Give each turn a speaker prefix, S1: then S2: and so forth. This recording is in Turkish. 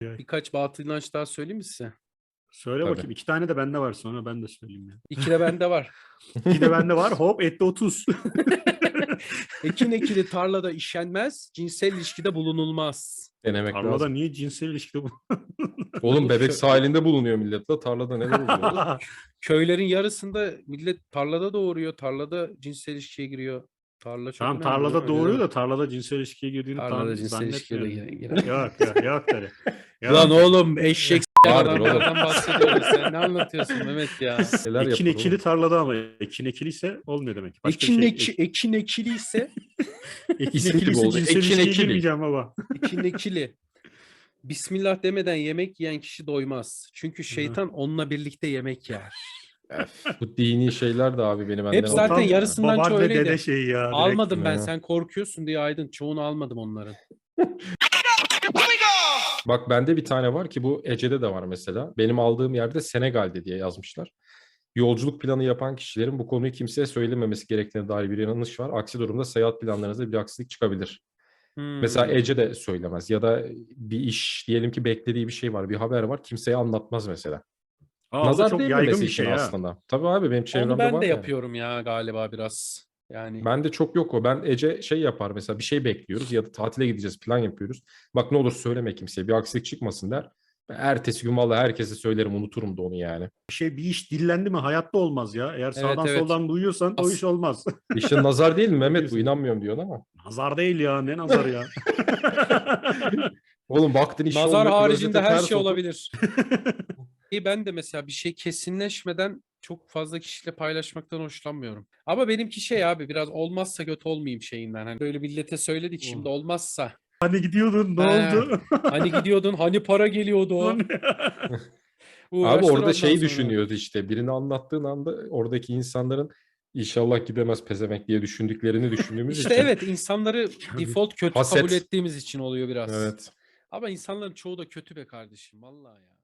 S1: Birkaç batıl inanç daha söyleyeyim mi size?
S2: Söyle
S3: Tabii.
S2: bakayım. 2 tane de bende var. Sonra ben de söyleyeyim ya.
S1: 2 de bende var.
S2: 2 de bende var. Hop etti 30.
S1: Ekin ekili tarlada işenmez, cinsel ilişkide bulunulmaz.
S3: Denemek
S2: Tarlada
S3: lazım.
S2: niye cinsel ilişkide bu?
S3: Oğlum bebek
S1: Şu-
S3: sahilinde bulunuyor millet la. Tarlada neler oluyor?
S1: Köylerin yarısında millet tarlada doğuruyor, tarlada cinsel ilişkiye giriyor. Tarla çok
S2: Tamam
S1: önemli.
S2: tarlada
S1: Öyle
S2: doğuruyor
S1: deme.
S2: da tarlada cinsel ilişkiye girdiğini
S1: Tarlada cinsel ilişkiye de
S2: zannetmiyorum.
S1: girer.
S2: Yok tabii.
S1: Lan oğlum eşek
S3: Vardır oğlum.
S1: adamlardan bahsediyoruz. Sen ne anlatıyorsun Mehmet ya?
S3: Neler
S2: Ekin
S3: yapılır
S2: ekili
S3: oğlum?
S2: tarlada ama ekin ekiliyse olmuyor demek. Başka
S1: Ekin,
S2: bir şey.
S1: ekin ekili ise
S2: Ekin
S3: İsmi gibi
S2: ekiliyse
S3: oldu.
S1: şey
S2: cinsel
S3: Ekin
S2: ilişkiye
S3: ekili.
S2: girmeyeceğim baba.
S1: ekin ekili. Bismillah demeden yemek yiyen kişi doymaz. Çünkü şeytan onunla birlikte yemek yer.
S3: Bu dini şeyler de abi beni benden
S1: Hep zaten
S2: Tam
S1: yarısından çoğu
S2: babaanne
S1: öyleydi.
S2: dede şeyi ya. direkt.
S1: Almadım ben,
S3: Ya.
S1: sen korkuyorsun diye Aydın. Çoğunu almadım onların.
S3: Bak bende bir tane var ki bu Ece'de de var mesela. Benim aldığım yerde Senegal'de diye yazmışlar. Yolculuk planı yapan kişilerin bu konuyu kimseye söylememesi gerektiğine dair bir yanlış var. Aksi durumda seyahat planlarınızda bir aksilik çıkabilir. Mesela Ece de söylemez ya da bir iş diyelim ki beklediği bir şey var, bir haber var, kimseye anlatmaz mesela.
S2: Aa, o da
S3: Nazar
S2: çok yaygın
S3: değmemesi
S2: bir
S3: için
S2: şey ha.
S3: aslında. Tabii abi benim
S1: Onu
S3: çevremde
S1: ben
S3: var
S1: de
S3: yani.
S1: yapıyorum ya galiba biraz. Yani
S3: Bende çok yok o. Ben Ece şey yapar mesela bir şey bekliyoruz ya da tatile gideceğiz plan yapıyoruz. Bak ne olur söyleme kimseye bir aksilik çıkmasın der. Ben ertesi gün vallahi herkese söylerim unuturum da onu yani.
S2: Bir iş dillendi mi hayatta olmaz ya. Eğer sağdan
S1: evet.
S2: soldan duyuyorsan o iş olmaz.
S3: İşte nazar değil mi Mehmet bu
S2: Diyorsun.
S3: inanmıyorum diyorsun ama.
S2: Nazar değil ya. Ne nazar ya?
S3: Oğlum baktın iş
S1: nazar
S3: olmuyor
S1: haricinde
S3: klozete
S1: her
S3: ters
S1: şey
S3: otur.
S1: olabilir. Ben de mesela bir şey kesinleşmeden çok fazla kişiyle paylaşmaktan hoşlanmıyorum. Ama benimki şey abi, biraz olmazsa kötü olmayayım şeyinden. Hani böyle millete söyledik, şimdi olmazsa.
S2: Hani gidiyordun ne
S1: He,
S2: oldu?
S1: hani gidiyordun, hani para geliyordu.
S3: Abi
S1: Uğraştır
S3: orada
S1: ondan
S3: şey
S1: sonra.
S3: düşünüyoruz işte birini anlattığın anda oradaki insanların inşallah gidemez pezevenk diye düşündüklerini düşündüğümüz
S1: İşte
S3: için.
S1: evet, insanları default kötü
S3: Haset.
S1: kabul ettiğimiz için oluyor biraz.
S3: Evet.
S1: Ama insanların çoğu da kötü be kardeşim vallahi ya.